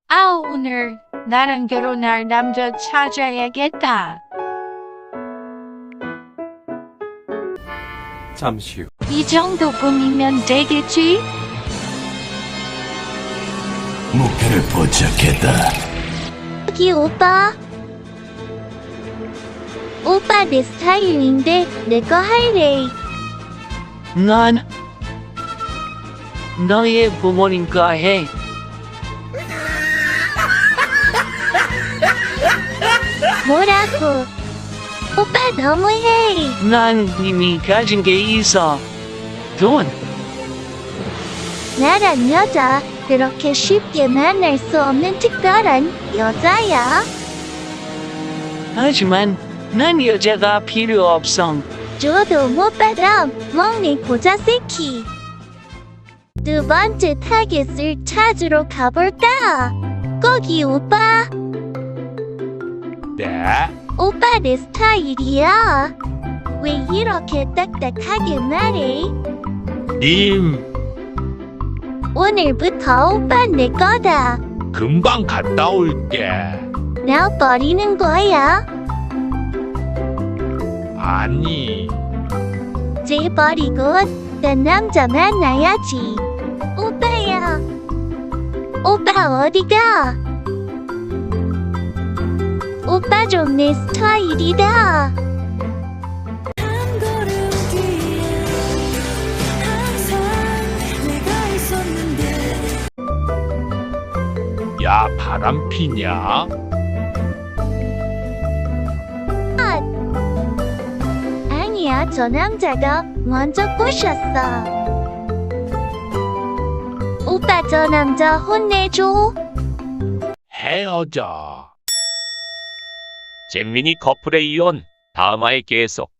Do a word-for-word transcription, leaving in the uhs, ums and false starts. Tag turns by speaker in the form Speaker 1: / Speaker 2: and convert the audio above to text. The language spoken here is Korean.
Speaker 1: 아, 오늘 나랑 결혼할 남자 찾아야겠다.
Speaker 2: 잠시 후.
Speaker 1: 이 정도 꿈이면 되겠지?
Speaker 3: 목표를 포착했다.
Speaker 4: 여기 오빠. 오빠 내 스타일인데 내 거 할래.
Speaker 5: 난 너의 부모님과 해.
Speaker 4: 뭐라고? 오빠 너무해.
Speaker 5: 난 이미 가진 게 있어. 돈.
Speaker 4: 나란 여자 그렇게 쉽게 만날 수 없는 특별한 여자야.
Speaker 5: 하지만 난 여자가 필요 없어.
Speaker 4: 줘도 못 받아 먹니 고자 새끼. 두 번째 타겟을 찾으러 가볼까? 거기 오빠.
Speaker 2: 네.
Speaker 4: 오빠 내 스타일이야. 왜 이렇게 딱딱하게 말해?
Speaker 6: 님,
Speaker 4: 오늘부터 오빠 내 거다.
Speaker 6: 금방 갔다 올게.
Speaker 4: 나 버리는 거야.
Speaker 6: 아니,
Speaker 4: 쟤 버리고 딴 남자 만나야지. 오빠야. 오빠 어디가? 오빠 좀 내 스타일이다.
Speaker 6: 야, 바람 피냐?
Speaker 4: 아니야, 저 남자가 먼저 꼬셨어. 오빠 저 남자 혼내줘.
Speaker 6: 헤어져.
Speaker 7: 잼민이 커플에 이은 다음화에 계속